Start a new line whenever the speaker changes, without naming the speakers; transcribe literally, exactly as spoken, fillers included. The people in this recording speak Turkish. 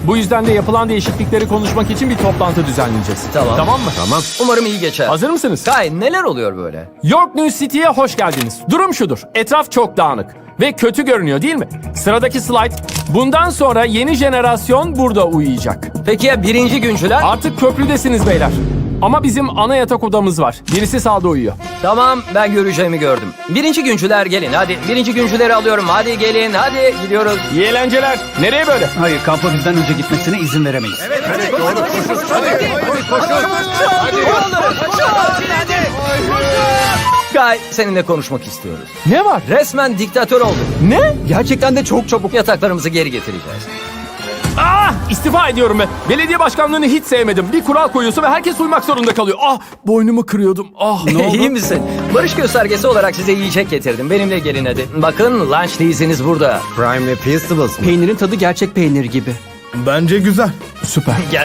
Bu yüzden de yapılan değişiklikleri konuşmak için bir toplantı düzenleyeceğiz.
Tamam.
Tamam mı?
Tamam.
Umarım iyi geçer.
Hazır mısınız?
Kay, neler oluyor böyle?
York New City'ye hoş geldiniz. Durum şudur. Etraf çok dağınık ve kötü görünüyor değil mi? Sıradaki slide. Bundan sonra yeni jenerasyon burada uyuyacak.
Peki ya birinci güncüler?
Artık köprüdesiniz beyler. Ama bizim ana yatak odamız var. Birisi sağda uyuyor.
Tamam, ben göreceğimi gördüm. Birinci güncüler gelin hadi. Birinci güncüleri alıyorum. Hadi gelin, hadi gidiyoruz.
İyi eğlenceler. Nereye böyle?
Hayır, kampa bizden önce gitmesine izin veremeyiz.
Kay, seninle konuşmak istiyoruz.
Ne var?
Resmen diktatör olduk.
Ne?
Gerçekten de çok çabuk.
Yataklarımızı geri getireceğiz.
Ah! İstifa ediyorum ben. Belediye başkanlığını hiç sevmedim. Bir kural koyuyorsun ve herkes uymak zorunda kalıyor. Ah! Boynumu kırıyordum. Ah! Ne oldu?
İyi misin? Barış göstergesi olarak size yiyecek getirdim. Benimle gelin hadi. Bakın, lunch değilsiniz burada.
Prime ve Peastables mı?
Peynirin tadı gerçek peynir gibi.
Bence güzel.
Süper.